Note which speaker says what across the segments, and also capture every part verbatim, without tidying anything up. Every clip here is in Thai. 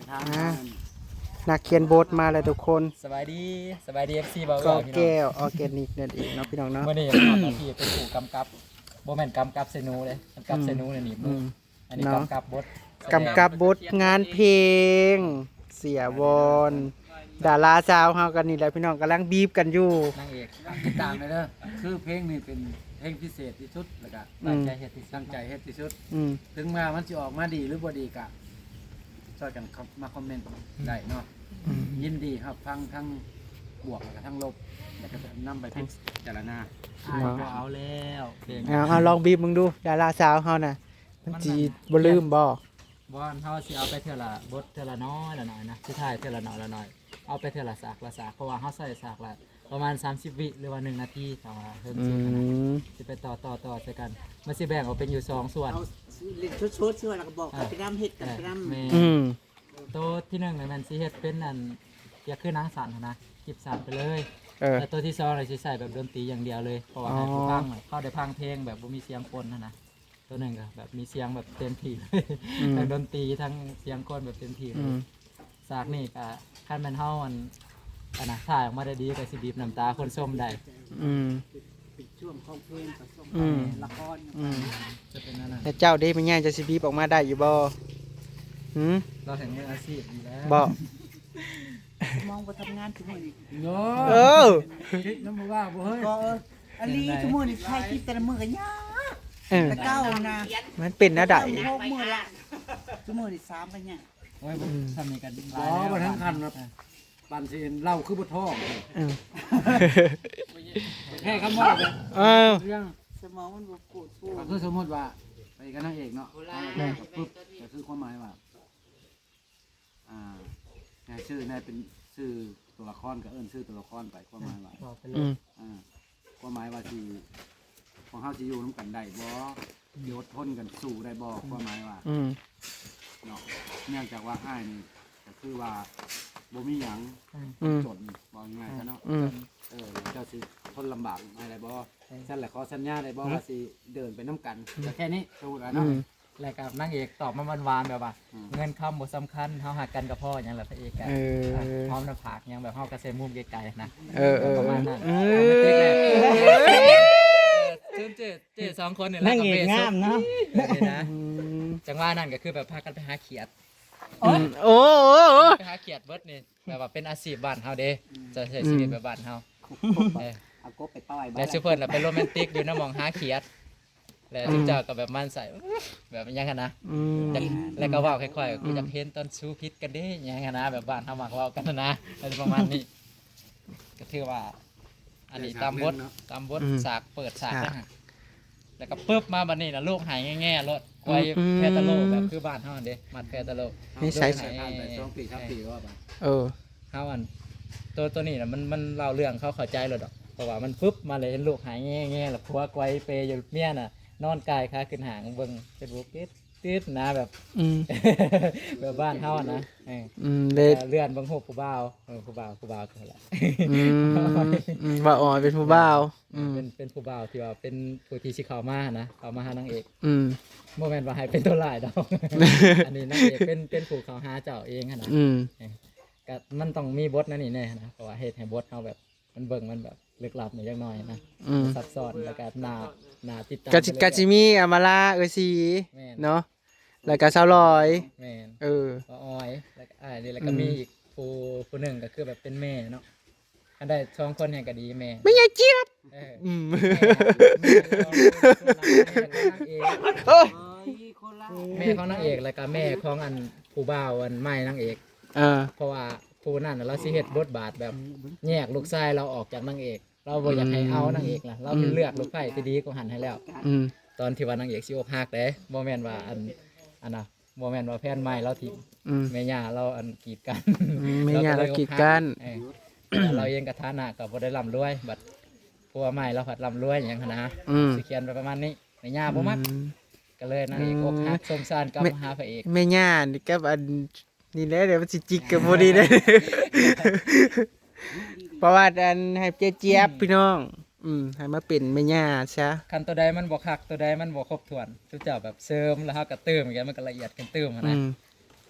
Speaker 1: ทาง
Speaker 2: นักเขียนบทมาเลยทุกคน
Speaker 3: สบายดีสบายดีเอฟซีบ่าว
Speaker 2: ก็
Speaker 3: พี่น้อง
Speaker 2: แก้วออร์แกนิกนั่นเองเนาะพี่น้องเนาะ
Speaker 3: เมื่อนี้ทำหน้าที่เป็นผู้กำกับโบแมนกำกับเซนูเลยกำกับเซนูเนี่ยหนีบมืออันนี้กำกับบท
Speaker 2: กำกับบทงานเพลง เสียวอนดาราสาวเฮากันนี่แหละพี่น้องกำลังบีบกันอยู่
Speaker 3: นางเอก
Speaker 1: ติดตามเลยเด้อคือเพลงนี้เป็นเพลงพิเศษที่สุดแล้วก็
Speaker 3: ตั้งใจเฮ็ดที่สุ
Speaker 1: ตั้
Speaker 3: ด
Speaker 1: งใจเฮ็ดที่สุด
Speaker 2: อืม
Speaker 1: ถึงมามันสิออกมาดีหรือบ่ดีก็ช่วยกันมาคอมเมนต์ได้เนาะ
Speaker 2: อืม
Speaker 1: ยินดีครับทั้งทั้งบวกแล้วก็ทั้งลบแล้วก็จะนำไปพิจารณา
Speaker 3: อ้ายบ่เอาแล้วเพลง
Speaker 2: เอาเอาลองบีบมึงดู ดาราสาวเฮาน่ะมันสิบ่ลืมบ่
Speaker 3: บอลเขาสิเอาไปเท่าละบทเท่าละน้อยละน้อยนะสุดท้ายเท่าละน้อยละน้อยเอาไปเท่าละสากละสากเพราะว่าเขาใส่สากละประมาณสามสิบวิหรือว่าหนึ่งนาทีต่อมาเพิ่ม
Speaker 2: อื
Speaker 3: สิขนาด
Speaker 2: ม
Speaker 3: สิไปต่อต่อต่อใส่กันมันสิแบ่งออกเป็นอยู่สองส่วน
Speaker 4: เอาเล่นชุดๆชื่อแล้วก็บอกกันไปรำเฮ็ดกันไปรำ
Speaker 3: แม่
Speaker 2: อืม
Speaker 3: ตัวที่หนึ่งเลยมันสิเฮ็ดเป็นอันเกี่ยวคือหนังสันหั้นนะจิบสันไปเลย
Speaker 2: เออ
Speaker 3: แต่ตัวที่สองเลยสิใส่แบบดนตรีอย่างเดียวเลยเพราะว่า
Speaker 2: อ๋อ
Speaker 3: ให้ผู้ฟังแบบเข้าได้พังเพลงแบบบ่มีเสียงคนนะนะตัวหนึ่งก็แบบมีเสียงแบบเต็มที่เลย
Speaker 2: อืม
Speaker 3: ทั้งดนตรีทั้งเสียงคนแบบเต็มที่เล
Speaker 2: อื
Speaker 3: ย
Speaker 2: ม
Speaker 3: สากนี่ก็คันแมันเฮามันอันน่ะถ่ายออกมาได้ดีก็สิบีบน้ำตาคนส้มได้
Speaker 2: อืม
Speaker 4: เป็นช่วงของเพลงผสม
Speaker 2: อืม
Speaker 4: ละคร
Speaker 2: อืม
Speaker 3: จะเป็นนั่นน่ะ
Speaker 2: แต่เจ้าเด้มันง่ายจะสิบีบออกมาได้อยู่บ่หืม
Speaker 3: เราแห่งมืออาชีพอยู่แล้ว
Speaker 2: บ่
Speaker 4: มองบ่ทำงานทุกมื้อนี้
Speaker 1: เนาะ
Speaker 2: เออ
Speaker 1: คิดน้ำบ่ว่าบ่เฮ้ย
Speaker 4: ก็เอออันนี้ทุกมื้อนี่ถ่ายคลิปแต่ละมื้อก็ยาก
Speaker 2: เออ
Speaker 4: แต่เก้านะ
Speaker 2: มันเป็นนะได
Speaker 4: หกมื้อละทุกมื้อนี่สามกันเนี่ย
Speaker 3: โอ้ยทำนี่กัน
Speaker 1: บ่บ่ทั้งคันครับปันสิเล่าคือบ่ท้อง
Speaker 2: เออ
Speaker 1: แค่คำว่าเลย
Speaker 2: เออ
Speaker 1: เรื่อง
Speaker 4: สมองมันบ่ปวดฟู
Speaker 1: ก็คือสมมติว่าไปกับนางเอกเนาะปุ๊บก็คือความหมายว่าอ่านายชื่อนายเป็นชื่อตัวละครก็เอิ้นชื่อตัวละครไปความหมายว่า
Speaker 3: บอกไปเล
Speaker 2: อื
Speaker 3: ย
Speaker 2: ม
Speaker 1: อ่าความหมายว่าที่ของเฮาสิอยู่นํกันได้บ่อยู่อดทนกันสู้ได้บ่ความหมายว่า
Speaker 2: อืม
Speaker 1: เนาะเนื่องจากว่าอ้ายนี่ก็คือว่าบ่มีหยัง
Speaker 2: อืม
Speaker 1: จนบ่ง่ายๆซะเนาะ
Speaker 2: อืม
Speaker 1: เออเจ้าสิทนลำบากอะไรบ่ฉันแหละขอสัญญาได้บ่ว่าสิเดินไปน้ำกันแต่แค่นี้สมมุติว่า
Speaker 2: อื
Speaker 1: เนาะ
Speaker 2: ม
Speaker 3: แล้วกับนางเอกตอบมาหวานๆแบบว่า
Speaker 1: อืม
Speaker 3: เงินคำบ่สำคัญเฮาหักกันกับพ่ออย่างแหละพระเอกอะ
Speaker 2: เออ
Speaker 3: พร้อมหน้าผากยังแบบเฮากระเซมุมไกลๆนะ
Speaker 2: เออเออ
Speaker 3: ประมาณนั้น
Speaker 2: เอ
Speaker 3: เจ๊แหละ
Speaker 2: อ
Speaker 3: เจ๊เจ๊เจ๊สองคนเนี่ยแหละกับเบสงามเนาะนะ
Speaker 2: อืม
Speaker 3: จังหวะนั้นก็คือแบบพากันไปหาเขียด
Speaker 2: อืมโอ้โอ้โอ้
Speaker 3: ไปหาเขียดเบิดนี่แบบว่าเป็นอาชีพบ้านเฮาเด้จะใช้ชีวิตแบบบ้านเฮาเออ
Speaker 4: เอากบไปปล่อยบ้า
Speaker 3: แล้ว
Speaker 4: น
Speaker 3: ซูเปอร์น่ะเป็นโรแมนติกอยู่นะมองหาเขียด แล้วทุกเจ้าก็แบบมันใส่แบบอยังกันนะ
Speaker 2: อืม
Speaker 3: จักแล้วก็เว้าค่อยๆกูจะเพ้นตอนสู้พิษกันเด้อยังกันนะแบบบ้านเฮามักเว้ากันนะอะไรประมาณนี้ก็ถือว่า อันนี้ตามบทตามบทฉากเปิดฉากนะฮะแล้วก็ปึ๊บมาบัดนี้นะลูกหายแง่ๆรถไว้แพทาโลแบบคือบ้านเฮาเด้มัดแพทาโล
Speaker 2: นี่ใช้
Speaker 1: ใช้ผ่านไปสองปีสามปีก็ว่าไป
Speaker 2: เออ
Speaker 3: เฮาอันตัวตัวนี้น่ะมันมันเล่าเรื่องเขาเข้าใจเลยดอกเพราะว่ามันปึ๊บมาเลยเห็นลูกหายแง่ๆแล้วผัวไกวเปยอยู่เมียน่ะนอนกายขาขึ้นหางเบิ่งเฟซบุ๊กติดติดนะแบบ
Speaker 2: อืม
Speaker 3: แบบบ้านเฮาอะนะเออ
Speaker 2: อืมเลย
Speaker 3: เลื่อนเบิ่งรูปผู้บ่าวเออผู้บ่าวผู้บ่าวคือแหละ
Speaker 2: อืมอืมว่าอ๋อเป็นผู้บ่าวอืม
Speaker 3: เป็นเป็นผู้บ่าวที่ว่าเป็นผู้ที่สิเข้ามานะเข้ามาหานางเอก
Speaker 2: อืม
Speaker 3: โมเมนต์ว่าให้เป็นตัวลายดอก อันนี้นางเอกเป็นเป็นผู้เขาหาเจ้าเองหั้นนะ
Speaker 2: อืม
Speaker 3: ก็มันต้องมีบทนั่นนี่แน่นะเพราะว่าเฮ็ดให้บทเขาแบบมันเบิ่งมันแบบลึกลับหน่อยจักหน่อยนะ
Speaker 2: อืม
Speaker 3: ซับซ้อนแล้วก็น่าน่าติดตาม
Speaker 2: กาจิกาจิมีอามาลาเออซี
Speaker 3: แม่น
Speaker 2: เนาะแล้วก็สาวลอย
Speaker 3: แม่น
Speaker 2: เออ
Speaker 3: ก็อ้อยแล้วก็อ้ายนี่แล้วก็
Speaker 2: อืม
Speaker 3: มีอีกผู้ผู้หนึ่งก็คือแบบเป็นแม่เนาะอันได้สองคนแห่งก็ดีแม่
Speaker 2: ไม่ใช่เจี๊ยบ
Speaker 3: เออ
Speaker 2: อืม
Speaker 3: แม่ของนางเอก
Speaker 2: โอ้ย
Speaker 4: เอ้ยคนละ
Speaker 3: แม่ของนางเอกแล้วก็แม่ของอันผู้บ่าวอันไม่นางเอก
Speaker 2: เออ
Speaker 3: เพราะว่าผู้นั่นน่ะเราสิเฮ็ดบทบาทแบบแยกลูกชายเราออกจากนางเอก เราบ่อยากให้เอานางเอกล่ะเราเป็นเลือกลูกไผ่ที่ดีกว่าหันให้แล้ว
Speaker 2: อืม
Speaker 3: ตอนที่ว่านางเอกสิอกหักเด้บ่แม่นว่าอันอันน่ะบ่แม่นว่าแฟนใหม่เราทิ้ง
Speaker 2: อืม
Speaker 3: แม่ย่าเราอันกีดกัน
Speaker 2: อืมแม่ย่าเรากีดกัน
Speaker 3: เออแต่เราเองก็ฐานะก็บ่ได้ร่ำรวยบัดผัวใหม่เราผัดร่ำรวยหยังหั้นนะ
Speaker 2: อืม
Speaker 3: สิเขียนไปประมาณนี้แม่ย่าบ่มัก
Speaker 2: อืม
Speaker 3: ก็เลยนางเอกอกหักสงสารกลับมาหาพระเอก
Speaker 2: แม่ย่านี่กับอันนี่แหละเดี๋ยวมันสิจิกกับบ่ดีเด้ เพราะว่าอันให้เจี๊ยบๆพี่น้อง อืมให้มาเป็นแม่ย่าซะ
Speaker 3: คันตัวใดมันบ่คักตัวใดมันบ่ครบถ้วนทุกเจ้าแบบเสริมแล้วเฮาก็เติมอีกอย่างมันก็ละเอียดกันเติมหั้น
Speaker 2: อื
Speaker 3: นะ
Speaker 2: ม
Speaker 3: ข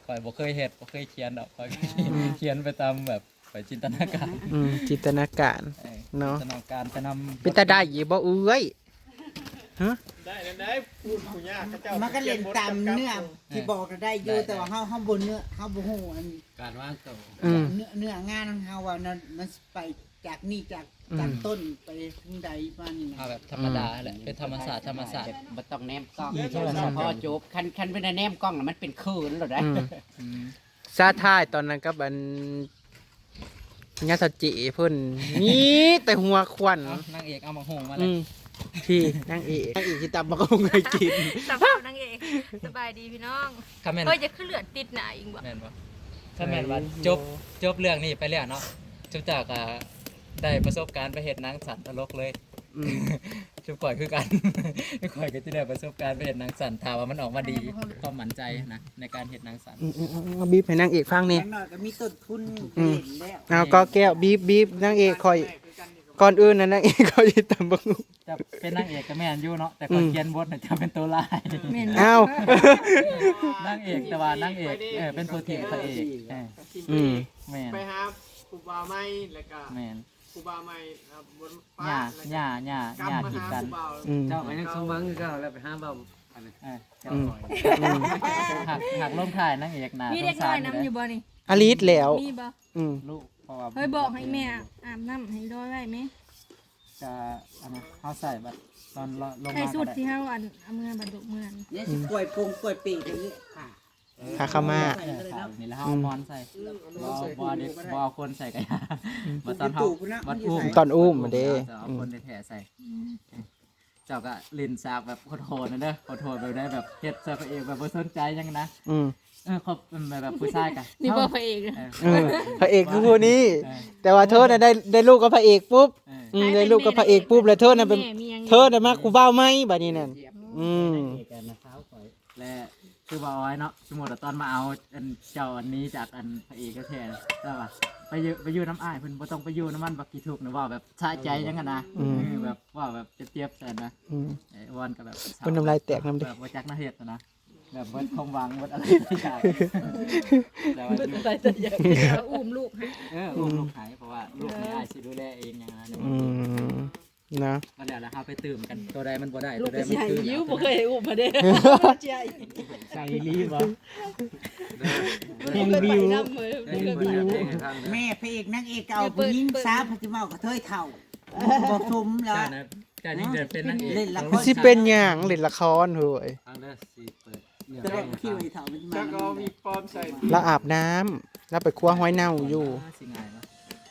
Speaker 3: ข่อยบ่เคยเฮ็ดบ่เคยเขียนดอกข่อยเขียนไปตามแบบข่อยจินตนาการ
Speaker 2: อืมจินตนาการ
Speaker 3: เออ
Speaker 2: เนาะ
Speaker 3: จินตนาการไปนำ
Speaker 2: เป็นตาได้อยู่บ่เอ้ยฮะ
Speaker 5: ได้ได้พูดผู้ยากเจ้า
Speaker 4: มันก็เล่นตามเนื้อที่บอกก็ได้อยู่แต่ว่าเฮาเฮาบ่เนื้อเฮาบ่ฮู้อัน
Speaker 1: การว่างตัว
Speaker 2: อืม
Speaker 4: เนื้อเนื้องานของเฮาว่ามันมันไปจากนี่จาก
Speaker 2: อืม
Speaker 4: จากต้นไปถึงใดมานี่นะ
Speaker 3: เอาแบบธรรมดาแหละเป็นธรรมศาสตร์ธรรมศาสตร์
Speaker 6: บ่ต้องแนมกล้อง
Speaker 3: อีโทรศัพท์
Speaker 6: พอจบคันคันเป็นแนมกล้องน่ะมันเป็นคืนแล้วได้
Speaker 2: อืม
Speaker 3: อืม
Speaker 2: ซาท่ายตอนนั้นกับอันญาติเจเพิ่นนี่แต่หัวควัน
Speaker 3: เอานางเอกเอามาโหงมาเล
Speaker 2: อื
Speaker 3: ย
Speaker 2: มที่นางเอกนางเอกที่ตำบักหุ่งเคยกิน
Speaker 7: สภาพนางเอกสบายดีพี่น้อง
Speaker 3: คอมเมนต์
Speaker 7: เฮ้ยจะขึ้นเลือดติดหนาอีกบ่
Speaker 3: แม่นบ่ถ้าแม่นว่าจบจบเรื่องนี้ไปแล้วเนาะจุบจากอ่ะได้ประสบการณ์ไปเฮ็ดหนังสันตลกเลย
Speaker 2: อืม
Speaker 3: จุบข่อยคือกัน ข่อยก็จะได้ประสบการณ์ไปเฮ็ดหนังสันถ้าว่ามันออกมาดีความมั่นใจนะในการเฮ็ดหนังสัน
Speaker 2: อืมอืมอืมเอาบีบให้นางเอกฟังนี่
Speaker 4: อย่างน้อยก็มีต้นทุน
Speaker 2: อืม
Speaker 4: เล่นแล้ว
Speaker 2: เอาก็แก้วบีบบีบนางเอกคอยก่อนอื่นนะนางเอกคอยตำบักหุ่ง
Speaker 3: จะเป็นนางเอกก็แม่นอยู่เนาะแต่คนเขียนบทน่ะจะเป็นตัวร้าย
Speaker 7: แม่น
Speaker 2: เอ้า
Speaker 3: นางเอกแต่ว่านางเอกเออเป็นตัวทีมพระเอกเออ
Speaker 2: อืม
Speaker 3: แม่น
Speaker 5: ไปหาครูบาไม้แล้วก็
Speaker 3: แม่น
Speaker 5: ครูบาไม้บน
Speaker 3: หญ้า
Speaker 5: ฟ้า
Speaker 3: หญ้าหญ้าหญ้า
Speaker 5: มา
Speaker 3: กีด
Speaker 5: หา
Speaker 3: กัน
Speaker 5: ครูบา
Speaker 2: อืม
Speaker 1: เจ้าก็ยังสมหวังก็แล้วไปห้ามเบาอันนี้
Speaker 3: เออ
Speaker 2: อืมอืม
Speaker 3: หักหักลมถ่ายนางเอกนะ
Speaker 7: มี
Speaker 3: ส
Speaker 7: เด็
Speaker 3: ง
Speaker 7: ก
Speaker 3: สา
Speaker 7: น้อ
Speaker 3: ร
Speaker 7: ยน้ำอยู่บ่นี่
Speaker 2: อลิสแล้ว
Speaker 7: มีบ่
Speaker 2: อืม
Speaker 3: ลูกเพราะว่า
Speaker 7: เฮ้ยบอกให้แม่อาบน้ำให้ร้อยไว้ไหม
Speaker 3: จะอันนั้นเขาใส่บัดตอนลง
Speaker 7: ใคร
Speaker 3: มา
Speaker 7: สุ
Speaker 3: ก็
Speaker 7: ด
Speaker 3: ได้
Speaker 7: ที่เฮาอันเอามือบัดดกเมือน
Speaker 4: เนี่ยสิกล้วยปรุงกล้วยปีกอย่างนี้ค่ะ
Speaker 2: ขาเข้ามา
Speaker 3: เออขาวนี่แล้วเขาเอามอนใส่บอบอเด็กบอคนใส่กันบัดตอนเขาบัดอุ้ม
Speaker 2: ตอนอุ้มมาเด้
Speaker 3: จะเอาคนในแถใส่ เจ้าก็ลินซากแบบโหดๆนะเด้อโหดๆแบบได้แบบเฮ็ดใส่ตัวเองแบบบ่สนใจหยังนะ
Speaker 2: อืม
Speaker 3: เออเขาเป็นแบบผู้ชายกัน
Speaker 7: นี่บ่พระเอก
Speaker 3: เออ
Speaker 2: เออพระเอกคือผู้นี้
Speaker 3: เออ
Speaker 2: แต่ว่าเธอน่ะได้ได้ลูกกับพระเอกปุ๊บ
Speaker 3: เออ
Speaker 2: อืมได้ลูกกับพระเอกปุ๊บแล้วเธอน่ะเป็น
Speaker 7: แม่มียัง
Speaker 2: เธอน่ะมากูเบ้าไหมบัดนี้นั่นอืม
Speaker 3: และคือบ่เอาไว้เนาะสมมุติว่าตอนมาเอาอันเจ้าอันนี้จากอันพระเอกก็แท้แล้วว่าไปอยู่ไปอยู่น้ำอ้ายเพิ่นบ่ต้องไปอยู่น้ำมันบักกี่ทุกนะว่าแบบสะใจจังกันนะเออแบบว่าแบบเจ็บๆแซ่นะ
Speaker 2: อืม
Speaker 3: ไอ้วอนก็แบบ
Speaker 2: เพิ่นน้ำลายแตกน้ำเด้
Speaker 3: แบบบ่จักน่าเฮ็ดนะแบบเบิดความหวังเบิดอะไรทุกอย่างแต่ว่าอยู่
Speaker 7: เอาอุ้มลูกให้
Speaker 3: เอออุ้มลูกหายเพราะว่าลูกนี่อ้ายสิดูแลเองอย่างนั้น
Speaker 2: อืมนะ
Speaker 3: ก็แล้วแล้วเฮาไปตื่มกันตัวใดมันบ่ได้ตัวใดมันคือ
Speaker 7: ยิ้วบ่เคยอุ้มมาเด้
Speaker 3: ใส่รีบ่
Speaker 2: เพลงบิว
Speaker 1: ได้ยินเพิ่นอยากเพลงให้ฟังเด้อ
Speaker 4: แม่พระเอกนางเอกก็เอาผู้หญิงสาวพจิเมากระเทยเท่าบ่สมแล้ว
Speaker 3: เจ้านะเจ้านี่เดินเป็นนางเอก
Speaker 4: เล่นละคร
Speaker 2: สิเป็นหยังเล่นละครเฮ้ย
Speaker 1: ฟังเด้อสิเปิดเรื่อง
Speaker 4: แต่
Speaker 1: เพล
Speaker 4: ว่าง
Speaker 1: ให้
Speaker 4: คิว
Speaker 1: ฟัง
Speaker 4: ไอ้เท่ามัน
Speaker 5: แล้ว
Speaker 4: มา
Speaker 5: ก็มีปอมใส่
Speaker 2: แล้วอาบน้ำแล้วไปครัวห้อยเน่าอยู่
Speaker 3: สิง่ายเนาะ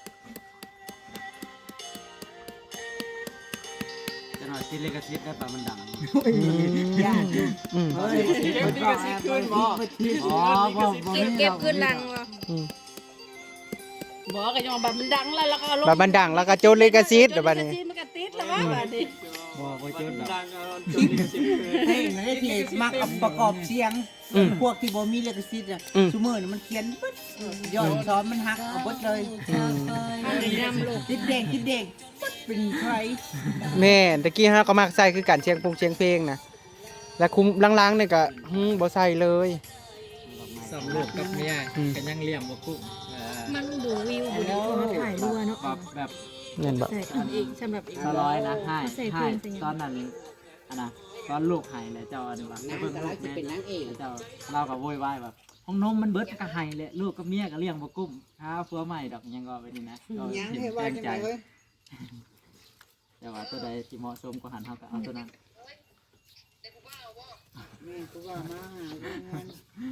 Speaker 1: จะหน่อยสิเลกสิทธิ์ได้ปะมันดัง
Speaker 4: ยากอยู่
Speaker 2: อืม
Speaker 4: เฮ้ยมันก็สิขึ้นบ่
Speaker 1: อ๋อบ่บ่
Speaker 7: เก็บ
Speaker 1: มี
Speaker 7: เก็บขึ้นหลังบ่
Speaker 2: อืม
Speaker 7: บอกก็ยังบัดมันดังแล้วแล้วก็ลง
Speaker 2: บาบันดังแล้วก็โจรเลกาซิตเดี๋ยวบัดนี้
Speaker 7: มันก็ติดแล้วว่าบัดนี้
Speaker 3: บ่บ่เจอดอก
Speaker 5: ดังเอาจุดลิขสิทธิ์คืน
Speaker 4: เพลงนั้นที่มักเอาประกอบเสียง พวกที่บ่มีลิขสิทธิ์อ่ะซุมื้อนี่มันเขียนปึ๊ดย้อนซ้อนมันหักเอาเบิดเลย
Speaker 7: นำลูก
Speaker 4: ติดแดงติดแดงปึ๊ดเป็นใคร
Speaker 2: แม่ตะกี้ฮะก็มักใส่คือการเชียงปงเชียงเพลงนะและคุมล้างๆเนี่ยก็หึบ่ใส่เลย
Speaker 3: สำลูกกับเมียก็ยังเลี้ยงบ่คุ้มเออ
Speaker 7: มันดูวิวดูดีมาถ่ายรัวเนาะ
Speaker 3: แบบแบบ
Speaker 2: นั่นบ่
Speaker 7: ใส่อันเองสำหรับเอง
Speaker 3: สร้อยนะให้
Speaker 7: ใส่เพ
Speaker 3: ให้
Speaker 7: ลงใส่หยัง
Speaker 3: ตอนนั้นอันน่ะตอนลูกให้แล้วเจ้าอันนี้ว่า
Speaker 6: นา
Speaker 3: ไป
Speaker 6: ง
Speaker 3: เบิ่ง
Speaker 6: ก็
Speaker 3: ลู
Speaker 6: รั
Speaker 3: ก
Speaker 6: กจะเป็น
Speaker 3: แม่
Speaker 6: นางเอก
Speaker 3: เจ้าเราก็โวยวายแบบห้องนมมันเบิดก็ให้แหละลูกกับเมียก็เลี้ยงบ่กุ้มหาผัวใหม่ดอกยังก็ไปนี่นะก็
Speaker 4: ยัง
Speaker 3: เห็น
Speaker 4: ให้ว่า
Speaker 3: แรง
Speaker 4: จัง
Speaker 3: ใจ
Speaker 4: ไดเว้ย
Speaker 3: แต่ว่าตัวใดที่เหมาะสมก็หันเฮาก็เอาตัวนั้น
Speaker 4: แม่กูว่ามาหาเรื่องงาน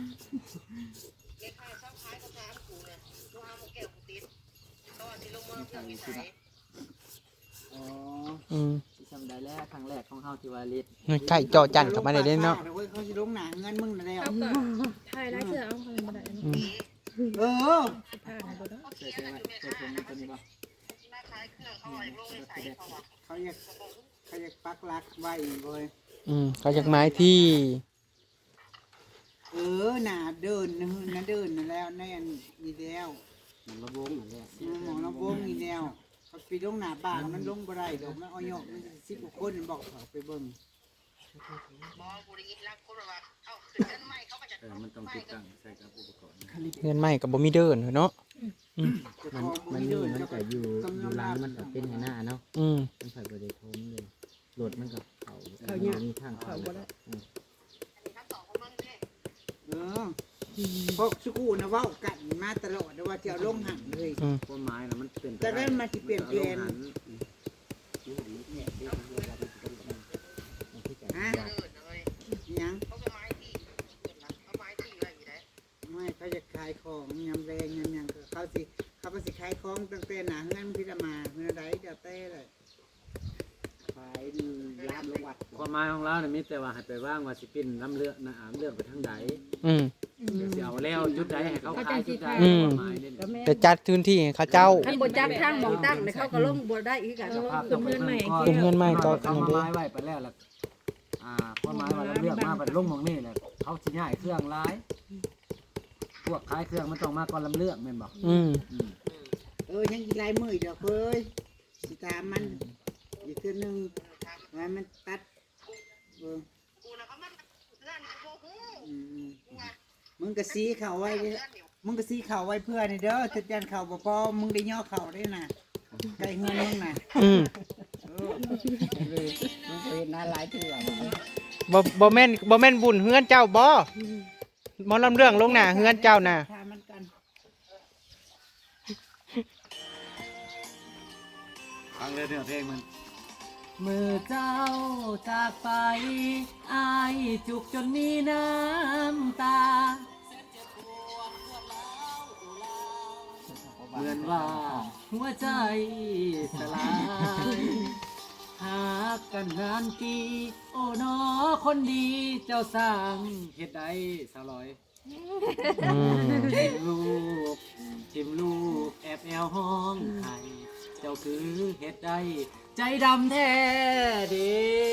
Speaker 3: อ๋อ
Speaker 2: อืม
Speaker 3: ที่จำได้แล้วครั้งแรกของเฮาที่ว่าลิศ
Speaker 2: ไข่เจอจันเข้ามาได้เด้เนาะ
Speaker 4: เว้ยเขาสิลงหนังเงินมึงนั่นแล้ว
Speaker 7: เอาก็ถ่ายไลฟ์เสื้อเอาเขาบ่ได้
Speaker 2: อืม
Speaker 4: เออ
Speaker 7: ผ้าให้บ่ได้
Speaker 3: เจอเจอไหมเจอตรงนี้ตัวนี้บ่
Speaker 4: เขาอยากเขาอยากปักหลักไว้เว้ย
Speaker 2: อืมเขาจากไม้ที่
Speaker 4: เออหน้าเดินนะหน้าเดินนั่นแล้วในอันนี้แล้ว
Speaker 6: มันระวงนั่นแหละ
Speaker 4: หมอน้ำวงนี่แล้วเขาไปลงหน้าบ้านมันลงบ่ได้ดอกมันเอาหยอกมันสิบกว่าคนบอกเขาไปเบิ่ง
Speaker 8: บอบุรีรักคนแบบว่าเอ้าขึ้นเงินใหม่เขาก็จะ
Speaker 1: เออมันต้องติดตั้งใส่กับอุปกรณ์
Speaker 2: เงินใหม่กับบ่มีเดินเนาะ
Speaker 6: มันมันนี่มันก็อยู่อยู่ร้านมันก็เป็นหน้าเนาะ
Speaker 2: อืม
Speaker 6: มันใส่บ่ได้ทมเลยรถมันก็เขาเขามีทางเขาบ่ได้
Speaker 4: เออเพราะสุกูนะเว้ากันมาตลอดว่าจะเอาลงหันเลย
Speaker 1: ความหมายน่ะมันเป็น
Speaker 4: แต่นั้นมันสิเปลี่ยนแปลง ฮะยังไม่เขาจะขายของยำแรงยำยังก็เขาสิเขาก็สิขายของตั้งแต่หนาเงินพิจามาเมื่อใดเดี๋ยวเต้เลย
Speaker 6: ขายร้านลงวัด
Speaker 1: ความหมายของเราเนี่ยมีแต่ว่าให้ไปว่างว่าสิเป็นน้ำเลือดนะอ่าเลือดไปทางใด
Speaker 2: อืม
Speaker 1: เดี๋ยวสิเอาแล้วจุดใดให้เขาขายจุดใด
Speaker 2: อืม
Speaker 1: ความหมายนี่
Speaker 7: ก็แม่
Speaker 2: จะจัดพื้นที่ให้เขาเจ้า
Speaker 7: คันบ่จับทางหมองตั้งเนี่ยเขาก็ลงบ่ได้อีกอ่ะ
Speaker 1: สภาพต้องเป็นเงิน
Speaker 2: เป็นเงินใหม่ก็
Speaker 1: เขามาไม้ไว้ไปแล้วล่ะอ่าความหมายว่าเราเลือกมาไปลงหมองนี่แหละเขาสิย้ายเครื่องร้ายพวกขายเครื่องมันต้องมาก่อนลำเลือกแม่นบอก
Speaker 2: อืม
Speaker 1: อืม
Speaker 4: เออยังอีลายมือเดี๋ยวเคยสิตามมันอีกคือหนึ่งไว้มันตัดเอออืมมึงก็ซีเข่าไว้เด้อมึงก็ซีเข่าไว้เพื่อนี่เด้อจุดยันเข่าบ่พอมึงได้ย่อเข่าได้น่ะไก่เงินมึงน่ะ
Speaker 2: อืม
Speaker 6: มันเคยหน้าหลายเทื่อ
Speaker 2: บ่บ่แม่นบ่แม่นบุญเฮือนเจ้าบ่หมอลำเรื่องลงหน้าเฮือนเจ้าน่ะ
Speaker 4: ทามันกัน
Speaker 1: ฟังเลยเนื้อเพลงมัน
Speaker 8: มือเจ้าจากไปอายจุกจนมีน้ำตา เหมือนว่าหัวใจสลายหากกันนานปีโอ้นอคนดีเจ้าสร้างเหตุใดสาวลอย
Speaker 2: อืม
Speaker 8: ทิมลูกทิมลูกแอบแอวห้องไห้เจ้าคือเหตุใดใจดำแท้เด้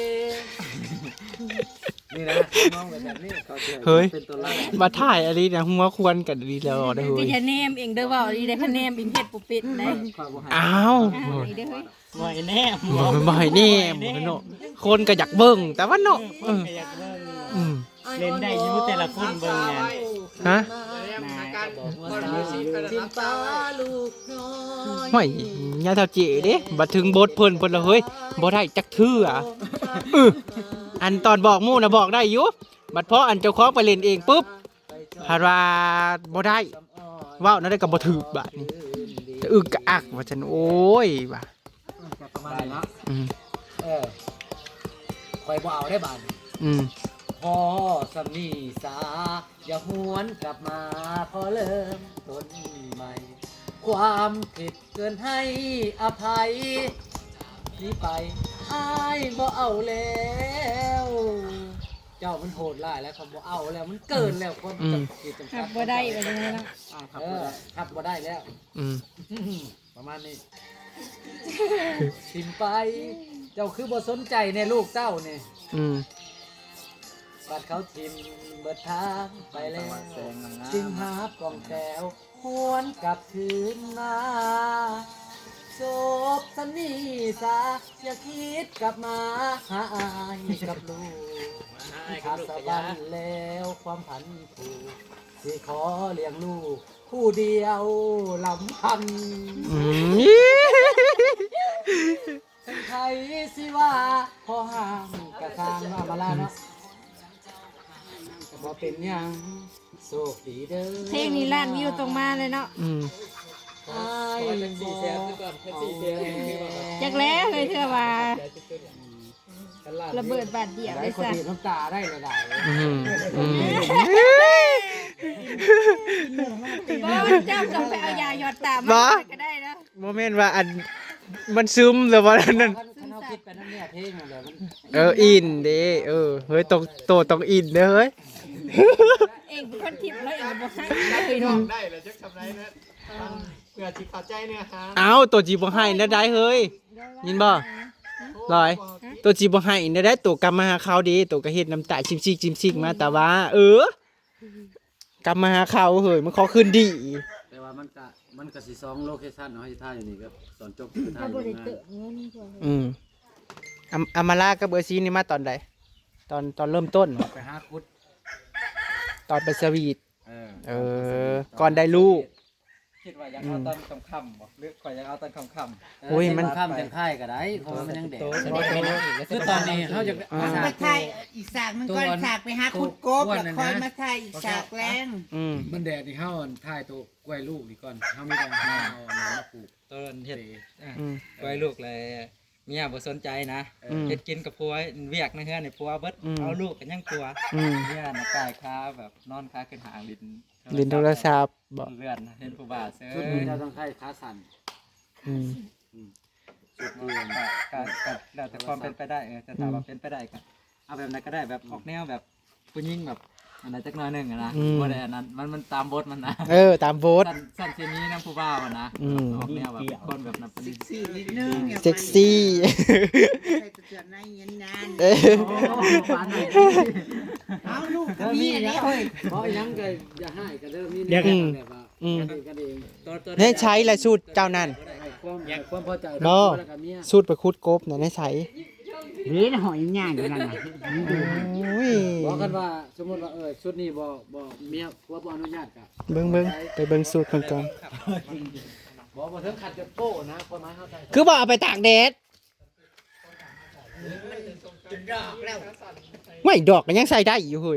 Speaker 1: นี่นะน้องแบบนี้เขาจะ
Speaker 2: เฮ้ย
Speaker 1: เป็นตัวไล่
Speaker 2: มาถ่ายอันนี้นะหัวควรกันดีแล้วได้อเฮ้
Speaker 7: ก็
Speaker 2: ย
Speaker 7: จะแนมเองเด้อเว้าดีได้คะแนมเองเฮ็ดบ่เป็ดได้
Speaker 2: อ้าว
Speaker 7: อ่านี่เด้อเฮ้ย
Speaker 3: บ่อยแน่
Speaker 2: บ่บ่ให้แน่บ่เนาะคนก็อยากเบิ่งแต่ว่าเนาะเอออืม
Speaker 3: เล่นได้อยู่แต่ละคนเบิ่งเนี่ย
Speaker 2: ฮะ
Speaker 5: อาการคนมีชีพเป็นรับตาไว้
Speaker 8: ลูกน้อย
Speaker 2: ไม่ยาเท่าเจเด้บัดถึงบทเพิ่นเพิ่นละเฮ้ยบ่ได้จักเทื่อเอออันตอนบอกหมู่น่ะบอกได้อยู่บัดพออันเจ้าของไปเล่นเองปุ๊บหาว่าบ่ได้เว้านั่นได้ก็บ่ถูกบาดนี้จะอึกกะอักว่าซั่นโอ้ยว่า
Speaker 1: ก็ประมาณนี้เนาะ
Speaker 2: อืม
Speaker 8: เออคอยบ่เอาได้บาด
Speaker 2: อืม
Speaker 8: พอสำนีสาอย่าหวนกลับมาพอเริ่มต้นใหม่ ความผิดเกินให้อภัยนี่ไปอายบ่เอาแล้ว เจ้ามันโหดร้ายแล้วเขาบ่เอาแล้วมันเกินแล้วความ
Speaker 2: อืม
Speaker 8: จำกิจจำ
Speaker 7: ครั
Speaker 8: กับ
Speaker 7: บ่ได้แบบนี้เนาะ
Speaker 8: เออครับบ่ได้แล้ว
Speaker 2: อืม
Speaker 8: ประมาณนี้ทิมไป เจ้าคือบ่สนใจในลูกเจ้าเนี่ย
Speaker 2: อืม
Speaker 8: บัดเขาทิมเบิดทางไปแล้วจึงหากล่องแก้วหวนกลับคืนมาจบสันนี่สาอย่าคิดกลับมาหาอายกับลูกขาดสะบันแล้วความพันผูกสิขอเลี้ยงลูกผู้เดียวลำพัน
Speaker 2: อืม
Speaker 8: เป็นใครสิว่าพอห่างกระทางมามาลาเนาะบ่เป็นหยังโชคดีเด้อ
Speaker 7: เพลงนี้ล้านวิวตรงมาเลยเนาะ
Speaker 2: อืม
Speaker 8: อ้ายบ่
Speaker 7: จักแล้วเลยเธอว่าระเบิดบาดเดียว
Speaker 8: ได้
Speaker 7: เลย
Speaker 8: คน
Speaker 7: ซะ
Speaker 8: ดีน้ำตาได้ระดับ
Speaker 2: อืมอืม
Speaker 7: บ่เจ้าต้องไปเอายาหยอดตา
Speaker 2: บ่
Speaker 7: มาก็ได้นะ
Speaker 2: โมเมนต์ว่าอันมันซึมหรือว่าอันนั้น
Speaker 8: คันคันเอาคิดไปนั่นเนี่ยเพลงนั่นแหละมัน
Speaker 2: เอออินเด้เออเฮ้ยต้องโตต้องอินเด้อเฮ้ย
Speaker 7: เองเป็นคนทิพย์แล้วเองบ่ให้เลยเนาะ
Speaker 5: ได้เลยจักทำไรนะเพื่อจิตเข้าใจเนี่ยฮะ
Speaker 2: เอาตัวจีบ่ให้นะได้เฮ้ยยินบ่ลอยตัวจีบ่ให้นะได้ตัวกลับมาหาเขาดีตัวก็เฮ็ดน้ำตาชิมซิกชิมซิกมาแต่ว่า เออกลับมาหาเขาเฮ้ยมันขอคืนดี
Speaker 1: แต่ว่ามันก็มันก็สิสองโลเคชั่นเนาะที่ท่าอยู่นี่ก็ตอนจบคือท่าอยู่งาน
Speaker 2: อืมอาอามาลากับเบอร์ซีนี่มาตอนใดตอนตอนเริ่มต้นเหรอ
Speaker 1: ไปหาคุด
Speaker 2: ตอนไปสวีท
Speaker 1: เออ
Speaker 2: เออก่อนได้ลูก
Speaker 3: คิดว่าอยากเอาตอนค่ำๆบ่หรือข่อยอยากเอาตอนค่ำ
Speaker 2: โอ้ยมัน
Speaker 6: ข้ามจังค่ายก็ได้เพราะว่ามันยังเด็ก
Speaker 5: คือตอนนี้เขาจะ
Speaker 2: อ่า
Speaker 4: มาถ่ายอีกฉากมันก็ฉากไปหาขุดกบแล้วค่อยมาถ่ายอีกฉากแรง
Speaker 2: อืม
Speaker 5: มันแดดนี่เฮาถ่ายตัวกล้วยลูกนี่ก่อนเฮาไม่ต้องเอาน้ำมาปลูก
Speaker 3: ๆต้นเฮ็ดอ่ะ
Speaker 2: อืม
Speaker 3: ไว้ลูกเลยเมียบ่สนใจนะ
Speaker 2: อืม
Speaker 3: เฮ็ดกินกับผัวเวียกในเฮือนนี่ผัวเบิด
Speaker 2: อืม
Speaker 3: เอาลูกกันยังตัว
Speaker 2: อืม
Speaker 3: เมียน่ะกายค้าแบบนอนค้าขึ้นหางลิ้น
Speaker 2: ลินโทรศัพท์บอก
Speaker 3: เลื่อนเห็นผู้บ่าวเซ้
Speaker 1: ชุดนี้เราต้องให้ขาสั่น
Speaker 2: อืม
Speaker 1: ชุด
Speaker 3: ก็
Speaker 1: นี้
Speaker 3: ก็ก็แล้วแต่ความเป็นไปได้เออจะถามว่าเป็นไปได้ก็เอาแบบไหนก็ได้แบบออกแนวแบบผู้หญิงแบบอันไหนจักหน้อยหนึงอะนะบ่ได้อันนั้นมันมันตามบทมันนะ
Speaker 2: เออตามโบส
Speaker 3: สั้นสั้นเช่นนี้นะผู้บ่าวอะนะ
Speaker 2: อืม
Speaker 3: ออกแนวแบบคนแบบนั้นเป็น
Speaker 4: เซ็กซี่นิดนึง
Speaker 2: เซ็กซี่
Speaker 4: ใส่เสื้อในเย็นนาน
Speaker 2: เอ้ย
Speaker 4: เอาลูกกับเมียเนี่ยเฮ้ย
Speaker 6: เพราะยังก็อย่าให้ก็เริ่มมี
Speaker 2: เดี๋ยวอืม
Speaker 6: แบบว่า
Speaker 2: อืม
Speaker 6: กันเอง
Speaker 2: ให้ใช้ละสูตรเจ้านั่น
Speaker 6: ให้ความให้ความพอใจ
Speaker 2: บ่
Speaker 6: แล้วก็เมีย
Speaker 2: สูตรไปคุดกบน่ะให้ใช้
Speaker 4: เฮ้ยหอยย่างอยู่นั่นน่ะ
Speaker 2: โอ้ย
Speaker 6: บอกกันว่าสมมุติว่าเออชุดนี้บ่บ่เมียผัวบ่อนุญาตก็
Speaker 2: เบิ่งเบิ่งไปเบิ่งสูตรเพิ่นก่อน
Speaker 6: บ่บ่ถึงขัดจะโป้นะความหมายเฮาใจ
Speaker 2: คือบ่เอาไปตากแดด
Speaker 4: ดอกแล้ว
Speaker 2: ไม่ดอกก็ยังใส่ได้อยู่เฮ้ย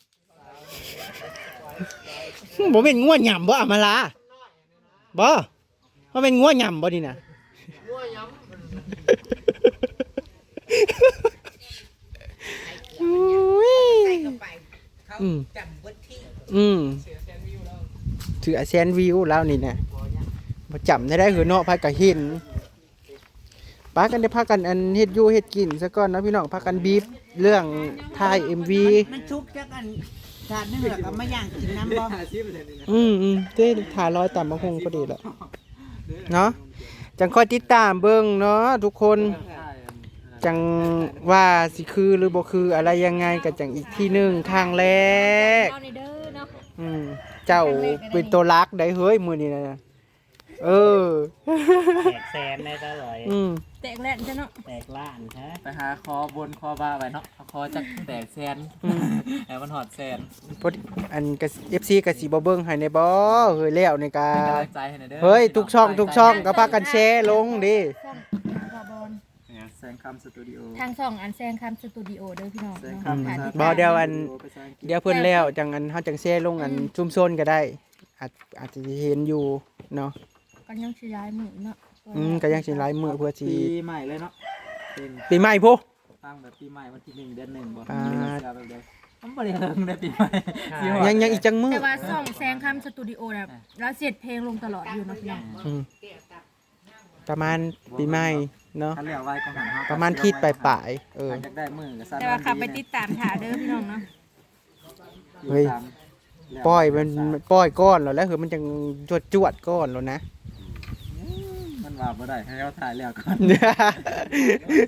Speaker 2: บ่เป็นงัวหย่ำบ่อามาลาบ่บ่เป็นงัวหย่ำบ่นี่น่ะงัวหย่ำ
Speaker 4: ใส่เข้าไปเขา
Speaker 2: อืม
Speaker 4: จำเบิดที่
Speaker 2: อืมถือแซนวิวแล้วนี่นะมาจำได้ได้คือเนาะพากันเห็นป้ากันได้พากันอันเฮ็ดอยู่เฮ็ดกินซะก่อนนะพี่น้องพากันบีบเรื่องถ่าย เอ็ม วี
Speaker 4: มันชุกจักอันชาติเนื้อกับมาย่างกินน้ำบ่
Speaker 2: อืมอืมเต้ถ่ายรอยตามมะฮงพอดีแล้วเนาะจังคอยติดตามเบิ่งเนาะทุกคนจังว่าสิคือหรือบ่คืออะไรยังไงก็จังอีกที่หนึงครั้งแรก
Speaker 7: เอาในเด้อเนาะ
Speaker 2: อืมเจ้าเป็นตัวรักได้เฮ้ยมือนี่นะเออ
Speaker 6: แตกแสนได้ซะเลย
Speaker 2: อืม
Speaker 7: แตกแหลนจ้ะเนาะ
Speaker 6: แตกล้านฮะ
Speaker 3: ไปหาคอบนคอบ้าไปเนาะเอาคอจักแตกแซนแล้วมันหอดแซน
Speaker 2: พอดีอันกับเอฟซีกับสีบเบิ้งให้ในบ่เฮ้ยแล้วในกา
Speaker 3: เป็นกำลังใจให้หน่อยเด้อ
Speaker 2: เฮ้ยทุกช่องทุกช่องก็พากันแชร์ลงดิ
Speaker 7: ซ่องบอบอล
Speaker 3: แซงคำสตูดิโอ
Speaker 7: ทางช่องอันแซงคำสตูดิโอเด้อพี่น้อง
Speaker 3: แซง
Speaker 7: เนาะ
Speaker 3: คำ
Speaker 7: ค่ะ
Speaker 2: บ่เดี๋ยวอัน
Speaker 3: ภาษาอังกฤษ
Speaker 2: เดี๋ยวเพิ่นแล้วจังอันเฮาจังแชร์ลงอันชุมชนก็ได้ อาจอาจจะเห็นอยู่เนาะ
Speaker 7: ก็ยังสิย้ายมือเนาะ
Speaker 2: อืมก็ยังสิหลายมื้อเพื่อสิ
Speaker 3: ปีใหม่เลยเนาะเป็น
Speaker 2: ปีใหม่พุ
Speaker 3: ตั้งแบบปีใหม่วันที่หนึ่งเดือนหนึ่งบ่
Speaker 2: อ่า
Speaker 3: เสือแบบเดียวผมบ่ได้เฮิงได้ปีใหม่สิฮอด
Speaker 2: ยังยังอีกจังมื้อ
Speaker 7: แต่ว่าช่องแซงคำสตูดิโอเนี่ยเราเสียดเพลงลงตลอดอยู่เนาะพี่น้อง
Speaker 2: อืมประมาณปีใหม่เนาะ
Speaker 3: คันเหลียวไว้ของหันเฮา
Speaker 2: ประมาณทิศปลายๆเออ
Speaker 3: ใครอยากได้มือก็สั่น
Speaker 7: แต่ว่าขับไปติดตามถ่าเด้อพี่น้องเนาะ
Speaker 2: เฮ้ย ปล่อยมันมันปล่อยก้อนแล้วแล้วคือมันจังจวดจวดก้อนแล้วนะ
Speaker 3: มันว่าบ่ได้ให้เราถ่ายแล้วก่อน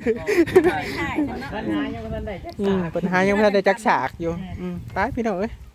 Speaker 7: ถ่ายถ่ายจ้ะเนาะ
Speaker 6: ปัญหายังบ่ทันได้จัก
Speaker 2: อืมปัญหายังไม่ทันได้จักฉากอยู่อืมไปพี่น้องเอ้ย